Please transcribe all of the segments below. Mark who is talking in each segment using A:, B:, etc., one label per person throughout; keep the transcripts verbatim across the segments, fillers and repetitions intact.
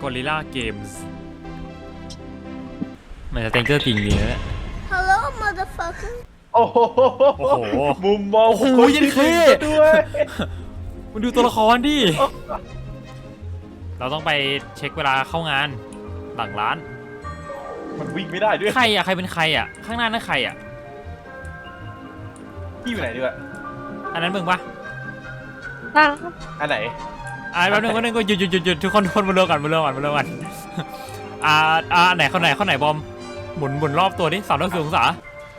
A: Gorilla Games มันจะเต็งเกอร์จริงดีนะเนี่ย
B: Hello motherfucker
C: โอ้โห
A: โอ้โห
C: มุมมอง
A: โอ้โห
C: คน
A: ยัน
C: ที่
A: เค
C: ด้วย
A: มันดูตัวละครดิ เราต้องไปเช็คเวลาเข้างานหลังร้าน
C: มันวิ่งไม่ได้ด้วย
A: ใครอ่ะ ใครเป็นใครอ่ะ ข้างหน้านั่นใครอ่ะ
C: พี่อยู่ไหนด้วย
A: อันนั้นมึงปะ
C: อันไหน
A: อ่าแป๊บนึงแป๊บนึงก็หยุดหยุดหยุดหยุดทุกคนทุกคนมาเริ่มกันมาเริ่มกันมาเริ่มกันอ่าอ่าไหนเขาไหนเขาไหนบอมหมุนหมุนรอบตัวดิสามร้อยสี่สิบองศา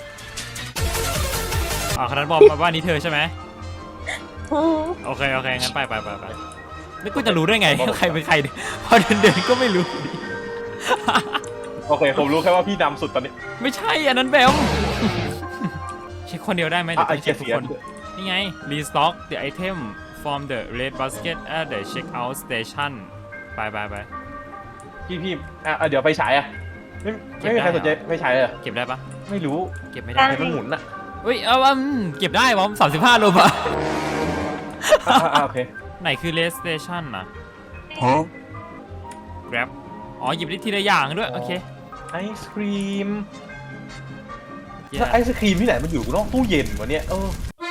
A: อ่าขนาดบอมมาว่านี้เธอใช่ไหมโอเคโอเคงั้นไปไปไปไปแล้วกูจะรู้ได้ไงใครเป็นใครพอเดินเดินก็ไม่รู้
C: โอเคผมรู้แค่ว่าพี่นำสุดตอนนี้
A: ไม่ใช่อันนั้นแบมเช็คคนเดียวได้ไหมเดี๋ยวต้องเช็คทุกคนนี่ไง restock the item from the red basket at the checkout station ไปไปไป
C: พี่พี่อ่ะเดี๋ยวไปฉายอ่ะไม่ไม่มีใครสนใจไม่ฉายเลย
A: เก็บได้ปะ
C: ไม่รู้
A: เก็บไม่ได้
C: เห็นมันหมุนอ่ะ
A: เฮ้ยเอาอืมเก็บได้บอมสามสิบห้าโลบะ
C: อ่าโอเค
A: ไหนคือ red station นะ grab อ๋อหยิบได้ทีละอย่างด้วยโอเค
C: ไอศครีมถ้าไอศครีมที่ไหนมันอยู่นอกตู้เย็นวะเนี่ยเออ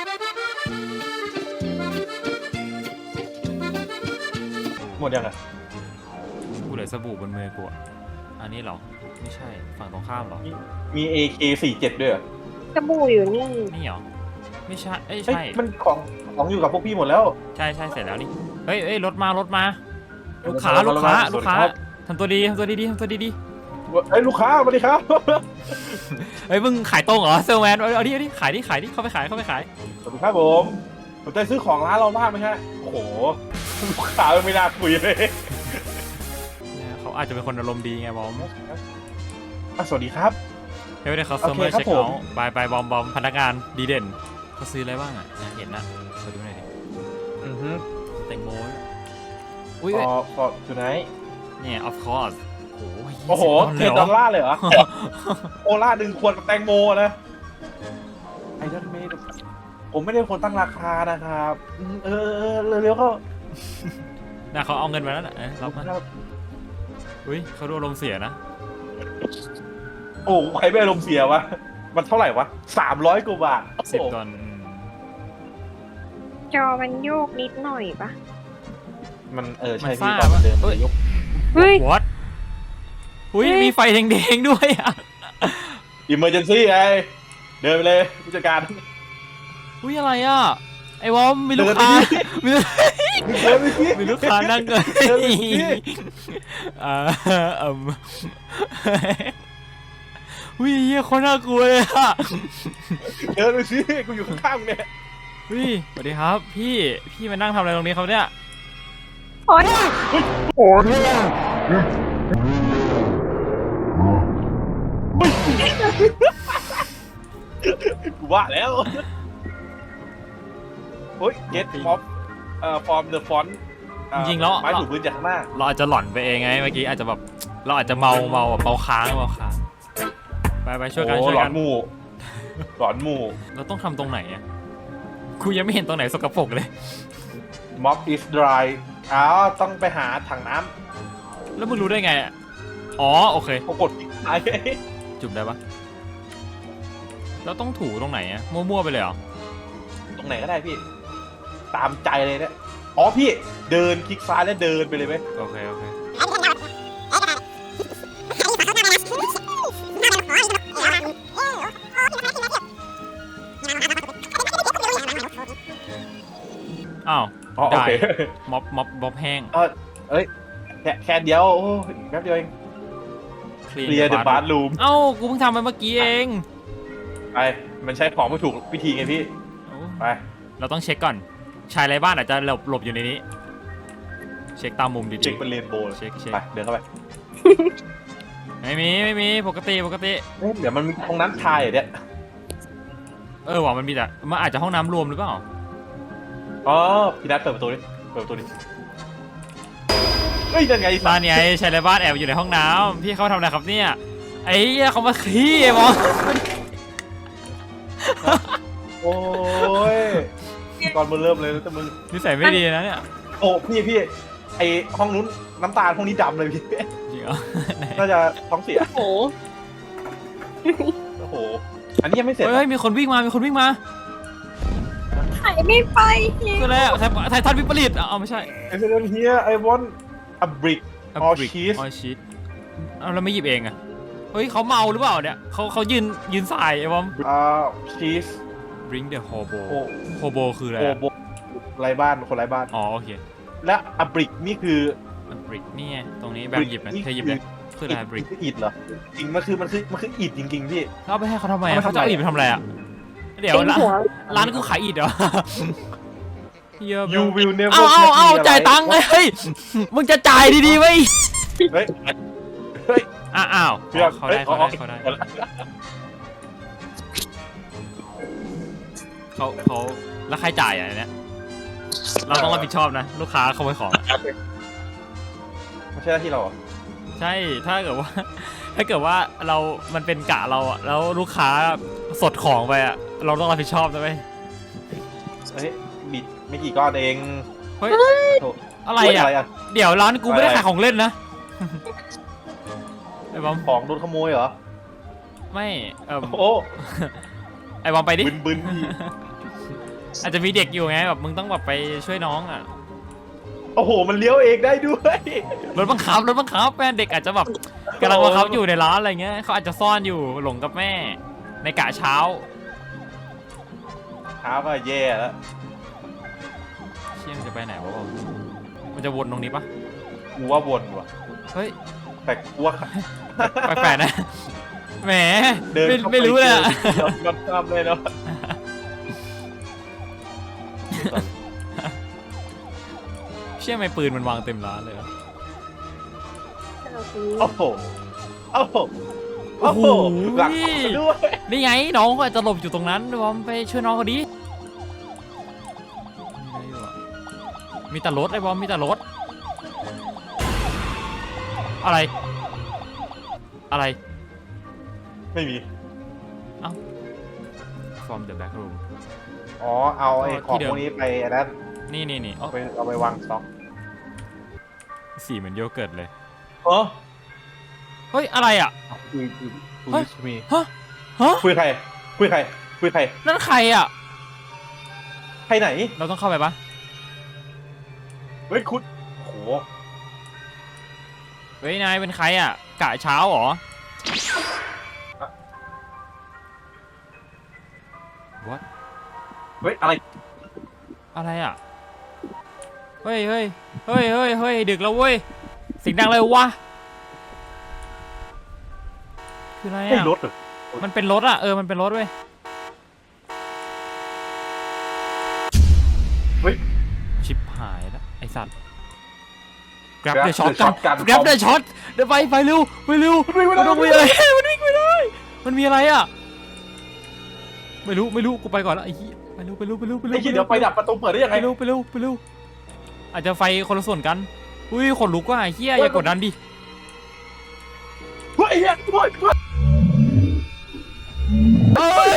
C: หมดยังอ่ะ
A: กูเหลือสบู่บนมือกูอะอันนี้เหรอไม่ใช่ฝั่งตรงข้ามเหรอ
C: มี เอ เค สี่สิบเจ็ดด้วยเหรอ
D: สบู่อยู่นี่
A: นี่เหรอไม่ใช่เอ้ย
C: เฮ้ย
A: ใช่
C: มันของของอยู่กับพวกพี่หมดแล้ว
A: ใช่ใช่เสร็จแล้วนี่เฮ้ยเฮ้ยรถมารถมาลูก
C: รถ
A: ค้า
C: มา
A: ลูกค้าร
C: ถมา
A: ลูกค้า
C: สวัสดีครับ
A: ทำตัวดีทำตัวดีๆทำตัวดี
C: เฮ้ยลูกค้าสวัสดีครับ
A: ๆเฮ้ยมึงขายตรงเหรอเซลแมนเอาเอาดิเอาดิขายดิขายดิเข้าไปขายเข้าไปขาย
C: สวัสดีครับผมสนใจซื้อของร้านเราบ้างไหมฮะโอ้โหลูกค้าไม่น่าคุยเลย
A: เนี่ยเขาอาจจะเป็นคนอารมณ์ดีไงบอม
C: อ่ะสวัสดีครับ
A: เฮ้ยเดี๋ยวเขา
C: โอ
A: เซิร์ฟ
C: เค
A: เวอร์
C: ครับ
A: เช็คเอา
C: ผม
A: ท์บายบายบอมบอมพนักงานดีเด่นเขาซื้ออะไรบ้างอ่ะนะเห็นนะมาดูหน่อยดิ
C: อือฮึ
A: แตงโมอุ้ย
C: พอพอจุดไหน
A: เนี่ย of course โอ้โห
C: โอ้โหเท
A: ยี่สิบ
C: ด
A: ด
C: อ
A: อ
C: ล
A: ลลา
C: ลา
A: ร์
C: ร์เลยเหรอ โอล่าหนึ่งขวดกับแตงโมนะไอ้ท่านไม่ได้ผมไม่ได้คนตั้งราคานะครับอืมเออเออเร็วๆก็
A: นะเขาเอาเงินมาแล้วนะเอ้ยรับมาอุ้ยเขาดูอารมณ์เสียนะ
C: โอ้ใครไม่อารมณ์เสียวะมันเท่าไหร่วะสามร้อยกว่าบาท
A: สิบ
C: โอ้โห
A: ตอนอืม
D: จอมันโยกนิดหน่อยปะ
C: มันเออ
A: มั
C: ใช่
A: น
C: พี่
A: ซ่า
C: ตอน
A: ปะ
C: เดิม
A: เฮ้ย
C: ยก
D: เฮ้ย
A: what อุ้ยมีไฟแดงๆด้วยอ่ะ
C: อิมเมอร์เจนซี่ไงเดินไปเลยผู้จัดการ
A: อุ้ยอะไรอ่ะไอ้วอมมีลูกค้ามีลูก
C: เดินไปสิ
A: มีลูกค้านั่งกัน
C: เดินไปสิ
A: อ่าอืมอุ้ยเหี้ยคนน่ากลัวเลยอ่ะ
C: เดินไปสิกูอยู่ข้างๆเนี่ย
A: อุ้ยสวัสดีครับ พี่พี่มานั่งทำอะไรตรงนี้ครับเนี่ย
D: โอ๊ย
C: กูว่าแล้วเฮ้ย get mob เอ่อ from the font
A: จริงๆแล้ว
C: ไม้ถูพื้นจากข้างหน้า
A: เราอาจจะหลอนไปเองไงเมื่อกี้อาจจะแบบเราอาจจะเมาเมาแบบเมาค้างเมาค้างไปไปช่วยกัน
C: โอ้
A: ช่วย
C: หลอ
A: กัน
C: นหมู่หลอนหมู่
A: เราต้องทำตรงไหนอ่ะกูยังไม่เห็นตรงไหนสกปรกเลย
C: mob is dry อ้าวต้องไปหาถังน้
A: แล้วมึงรู้ได้ไงอะอ๋อโอเค
C: ำปรากฏที่ไหน
A: จุ่มได้ปะแล้วต้องถูตรงไหนอ่ะมั่วๆไปเลยเหรอ
C: ตรงไหนก็ได้พี่ ตามใจเลยเนี่ยอ๋อพี่เดินคลิกซ้ายแล้วเดินไปเลยไหม
A: โอเคโอเคอ้าว
C: อ๋อโอ
A: ได้
C: เค
A: ม็อบม็อบม็อบแห้ง
C: เออเอ้ยแค่แค่เดียวโอ้ยแป๊บเดียวเอง เคลียร์เดอะบาร์รูม
A: เอ้ากูเพิ่งทำไปเมื่อกี้เอง
C: ไปมันใช้ของไม่ถูกวิธีไงพี่
A: โอ้
C: ไป
A: เราต้องเช็คก่อนชายไร้บ้านอาจจะหลบหลบอยู่ในนี้ เช็คตามมุมดีๆ
C: เช็คเป็นเรนโบว์เลย
A: เช็คเช็ค
C: ไปเดินเข้าไป
A: ไม่มีไม่มีปกติปกติ
C: เอ๊ะเดี๋ยวมันมีห้องน้ำชายเหรอเนี่ย
A: เออว่ะมันมีแต่มันอาจจะห้องน้ำรวมหรือเปล่า
C: อ๋อพี่นัทเปิดประตูดิเปิดประตูดิเฮ้ยนั่นไง
A: บ้านไงชายไร้บ้านแอบอยู่ในห้องน้ำพี่เขาทำอะไรครับเนี่ยไอ้เหี้ยเขามาขี้ไอ้บอส
C: โอ้ยตอนมึงเริ่มเลยแต่มึง
A: นิสัยไม่ดีนะเนี่ย
C: โอ้พี่พี่ไอห้องนู้นน้ำตาลห้องนี้ดำเลยพี่
A: จริงเหรอไหน
C: น่าจะท้องเสีย
D: โอ้
C: โอ้โหอันนี้ยังไม่เสร็จ
A: เฮ้ยมีคนวิ่งมามีคนวิ่งมา
D: ถ่ายไม่ไป
A: คืออะไรอ่ะไทไททันวิปริตอ่ะเอาไม่ใช่
C: ไอ้เรื่องเฮียไอวอนอับริก ออชีส
A: ออชีสเอาแล้วไม่หยิบเองอ่ะเฮ้ยเขาเมาหรือเปล่าเนี่ยเขาเขายืนยืนสายไอ้บอม
C: อ่าชีส
A: bring the hobo
C: โอ
A: hobo คืออะไร
C: โอ
A: อะ
C: โบไรบ้านคนไรบ้าน
A: อ๋อโอเค
C: และอับริกนี่คือ
A: บริกนี่ไงตรงนี้แบบหยิบไหมเธอหยิบเลยคืออะไรบริก
C: คืออิฐเหรอจริงมันคือมันคือมันคืออิฐจริงๆพี่
A: เอาไปให้เขาทำไม
C: เอา
A: อะ
C: ไปทำไม
A: เขาจะเอาอิฐไปทำอะไรอ่ะเดี๋ยว
D: เต็ม
A: ร้าน
D: หัว
A: ร้านกูขายอิฐเหรอเยอะ
C: ยูวิลเนเวอร์
A: เอาเอาเอาจ่ายตังค์เลยเฮ้ยมึงจะจ่ายดีๆไว้
C: เฮ้ยเฮ้ย
A: อ้าวอ้าว
C: เชื่อ
A: เขาได้เขาได้เขาได้เขาเขาแล้วใครจ่ายอ่ะเนี่ยเราต้องรับผิดชอบนะลูกค้าขโมยของ
C: ไม่ใช่หน้าที่เราเหรอ
A: ใช่ ถ้าเกิดว่า ถ้าเกิดว่าเรา มันเป็นกะเราอะแล้วลูกค้าสดของไปอะเราต้องรับผิดชอบนะเว้ย
C: เฮ้ยบิดไม่กี่ก้อนเอง
A: เฮ้ย
C: โถ่
A: อะไร
C: เฮ้ย
A: อะ
C: อะไรอะ
A: เดี๋ยวร้านกูไม่ได้
C: อะไร
A: ขายของเล่นนะ ไอ้บอม
C: ของโดนขโมยเหรอ
A: ไม่เออ
C: โอ้
A: ไอ้บอมไปดิ
C: บึนบึนพี่
A: อาจจะมีเด็กอยู่ไงแบบมึงต้องแบบไปช่วยน้องอะ
C: โอ้โหมันเลี้ยวเองได้ด้วย
A: รถบังคับรถบังคับแม่เด็กอาจจะแบบกำลังบังคับอยู่ในร้านอะไรเงี้ยเขาอาจจะซ่อนอยู่หลงกับแม่ ในกะเช้า
C: เท้าก็แย่แล้ว
A: เชี่ยมันจะไปไหนวะบอมมันจะวนตรงนี้ปะ
C: กูว่าวนว่ะ
A: เฮ้ย
C: แต่กูว่า
A: แปลกๆนะ แหม
C: เดิน
A: ไม่
C: เข้าป
A: ไม่รู้เลยอะ
C: ยอมรับเลยเนาะ
A: เชื่อไหมปืนมันวางเต็มร้านเลยเหรอ
C: โอ้โหโอ้โหโอ้โหหลังด้วย
A: นี่ไงน้องเขาอาจจะหลบอยู่ตรงนั้นบอมไปช่วยน้องเขาดิมีอะไรอยู่อะมีแต่รถไอ้บอมมีแต่รถ อะไร อะไร
C: ไม่มี
A: from the back room
C: อ๋อเอาไอ้
A: อ๋อ
C: ของ
A: ที่เดิม
C: พวกนี้ไปอันนั้น
A: นี่นี่นี่
C: เอาไปเอาไปวางสต็อก
A: สีเหมือนโยเกิร์ตเลย
C: เออ
A: เฮ้ย อะไรอ่ะ
C: คุยคุยคุ
A: เฮ้
C: ย
A: ย
C: มี
A: ฮะ ฮะ
C: คุยใครคุยใครคุยใคร
A: นั่นใครอ่ะ
C: ใครไหน
A: เราต้องเข้าไปปะ
C: เฮ้ยคุณโห
A: เฮ้ย นายเป็นใครอ่ะ กะเช้าเหรอ what
C: เฮ้ยอะไร
A: อะไรอ่ะ เฮ้ยเฮ้ยเฮ้ยเฮ้ยเฮ้ยดึกแล้วเว้ยเสียงดังเลยวะ คืออะไร
C: ใช่
A: อ่ะ
C: รถเหรอ
A: มันเป็นรถอ่ะ เออ มันเป็นรถเว้ย
C: เฮ้ย
A: ชิบหายแล้วไอสัตว์ grab
C: Grab
A: the
C: the
A: shot กัน
C: shotgun
A: grab the shot เดี๋ยวไปไปเร็วไปเร็ว
C: มันวิ่งไม่ได้
A: มันต้องมีอะไร มันวิ่งไม่ได้ มันมีอะไรอ่ะ ไม่รู้ไม่รู้กูไปก่อนแล้วไอ้เหี้ยไปเร็วไปเร็วไปเร็วไปเร็
C: ไอ้
A: ว
C: ที่เดี๋ยวไฟดับประตูเปิดได้ยัง
A: ไป
C: ไง
A: เร็วไปเร็วไปเร็วอาจจะไฟคนละส่วนกันอุ้ยขนลุกว่ะไอ้เหี้ยอย่ากดดันดิ
C: เฮ้ยเฮ้ยเฮ้ยเฮ้ย
A: เอ้ย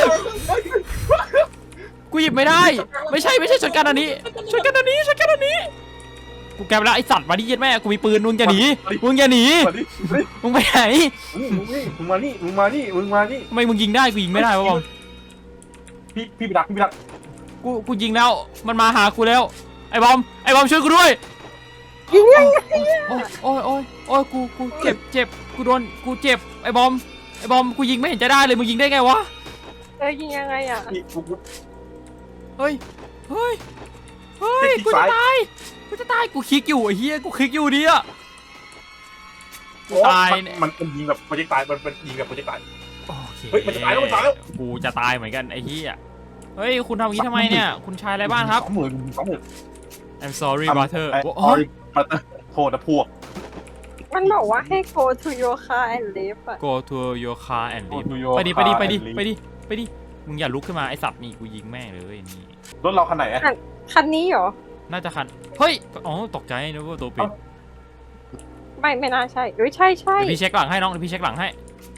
A: กูหยิบไม่ได้ ไม่ใช่ไม่ใช่ช็อตกันอันนี้ช็อตกันอันนี้ช็อตกันอันนี้กูแกไปแล้วไอสัตว์มาดิเย็ดแม่กูมีปืนมึงอย่าหนีมึงอย่าหนี
C: มาดิเฮ้ย
A: มึงไปไหน
C: มึงนี่มึงมานี่มึงมานี่มึงมานี่
A: ทำไมมึงยิงได้กูยิงไม่ได้วะบอม
C: พี่พี่ไปดักพี่ไปดัก
A: กูกูยิงแล้วมันมาหากูแล้วไอ้บอมไอ้บอมช่วยกูด้วย
D: ยิงยังไง
A: โอ้ยโอ้ยโอ้ยโอ้ยกูกูเจ็บเจ็บกูโดนกูเจ็บไอ้บอมไอ้บอมกูยิงไม่เห็นจะได้เลยมึงยิงได้ไงวะ
D: เออยิงยังไงอ่ะ
C: พี่กูกู
A: เฮ้ยเฮ้ยเฮ้ยกูจะตายกูจะตายกูคลิกอยู่ไอ้เหี้ยกูคลิกอยู่ดิอะ ตาย
C: มันมันมันยิงแบบโปรเจกต์ตายมันเป็นยิงแบบโปรเจกต์ตาย
A: โอเค
C: เฮ้ยมันจะตายแล้วมันจะตายแล้ว
A: กูจะตายเหมือนกันไอ้เหี้ยเฮ้ยคุณทำอย่างนี้ทำไมเนี่ยคุณชายอะไรบ้านครับ
C: สองหมื่นสองหมื่น
A: I'm sorry brother
C: ไอ้
A: โอ้
C: ออย ปัตเตอร์โทษนะพวก
D: มันบอกว่าให้ go to your car and leave อ่ะ
A: go to your car and leave
C: Go to your
A: ไปดิไปดิ
C: car
A: ไปดิ
C: and leave
A: ไปดิไปดิมึงอย่าลุกขึ้นมาไอสัตว์นี่กูยิงแม่งเลยนี่
C: รถเราคันไหนอะ
D: คันนี้เหรอ
A: น่าจะคันเฮ้ยอ๋อตกใจนึกว่าตัวปิด
D: ไม่ไม่น่าใช่เอ้ยใช่ใช่
A: เดี๋ยวพี่เช็คหลังให้น้องเดี๋ยวพี่เช็คหลังให้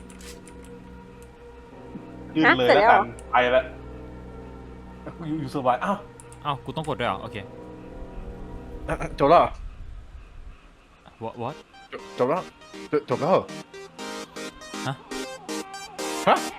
C: ยืนเลย
D: ฮะเสร็จ
C: แล้ว
D: แล้ว
C: กันไปแล้วอยู่อยู่สบายอ้าว
A: เอ้ากูต้องกดด้วยเหรอโอเค
C: จบแล้วเหรอ
A: what what
C: จบจบแล้วจบจบแล้วเหรอ
A: ฮะ
C: ฮะ